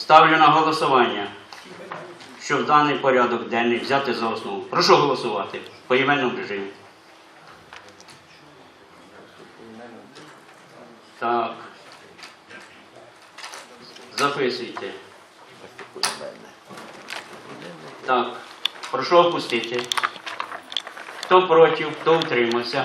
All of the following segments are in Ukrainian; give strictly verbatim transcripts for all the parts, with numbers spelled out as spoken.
Ставлю на голосування, щоб даний порядок денний взяти за основу. Прошу голосувати в поіменному режимі. Так. Записуйте. Так. Прошу опустити. Хто проти, хто утримався?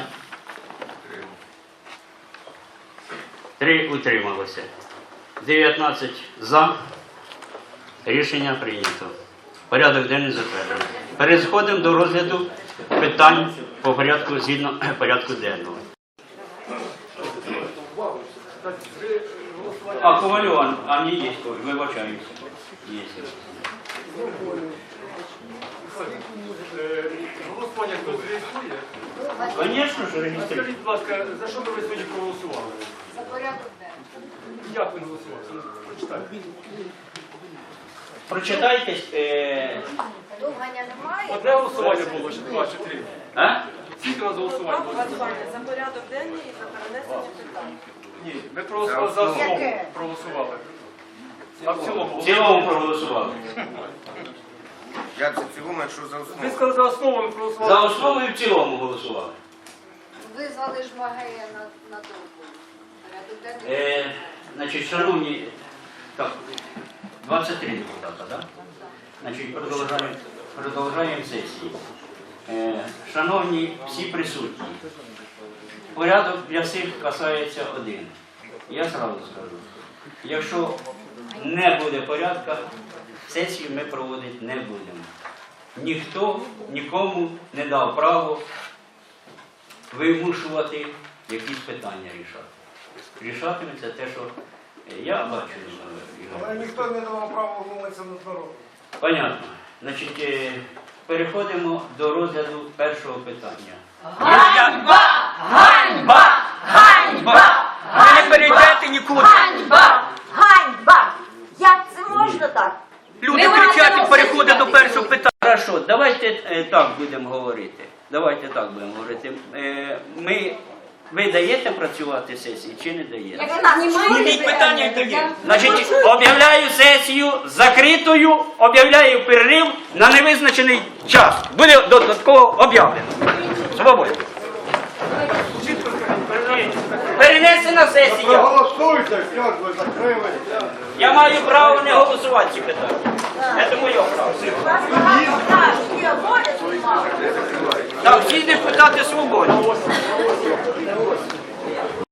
Три утрималося. дев'ятнадцять за. Рішення прийнято. Порядок денний затверджено. Переходимо до розгляду питань по порядку згідно порядку денного. А, Ковальов, а не є Коваль, вибачаюся. Є. Голосування хтось реєструє? Звісно ж, реєструє. Скажіть, будь ласка, за що ви сьогодні проголосували? За порядок денний. Як ви голосували? Прочитайте. Прочитайте. Е... Довгання немає. Одне голосування було, чи два, чи три? А? Скільки у нас голосувань було? За порядок денний і за перенесення питань. Ні, ми проголосували за основу. Яке? Проголосували. А в цілому? В цілому проголосували. Як за цілому, якщо за Ви основу? сказали за основу, ми проголосували. За основу і в цілому голосували. Визвали ж Магея на, на довгу. Порядок денний. Е, значить, шановні, так, двадцять три депутата, так? Значить, продовжуємо, продовжуємо сесію. Е, шановні всі присутні, порядок для всіх касається один. Я зразу скажу, якщо не буде порядку, сесію ми проводити не будемо. Ніхто нікому не дав право вимушувати якісь питання рішати. Рішатиметься те, що я бачу. Але ніхто не давав права вмовитися над народом. Понятно. Значить, е, переходимо до розгляду першого питання. Ганьба! Ганьба! Ганьба! Ви не перейдете нікуди. Ганьба! Ганьба! Як це можна так? Люди Ми кричать маємо і переходять до розглядати. першого питання. Хорошо, давайте е, так будемо говорити. Давайте так будемо говорити. Е, ми, ви даєте працювати сесії чи не даєте? Як нас Зніміть питання і тоді. Значить, об'являю сесію закритою, об'являю перерив на невизначений час. Буде додатково об'явлено. Свободно. Перенесена сесія. Проголосуйте, що ж ви закрили. Я маю право не голосувати ці питання. Це моє право. Так, всі депутати свободні.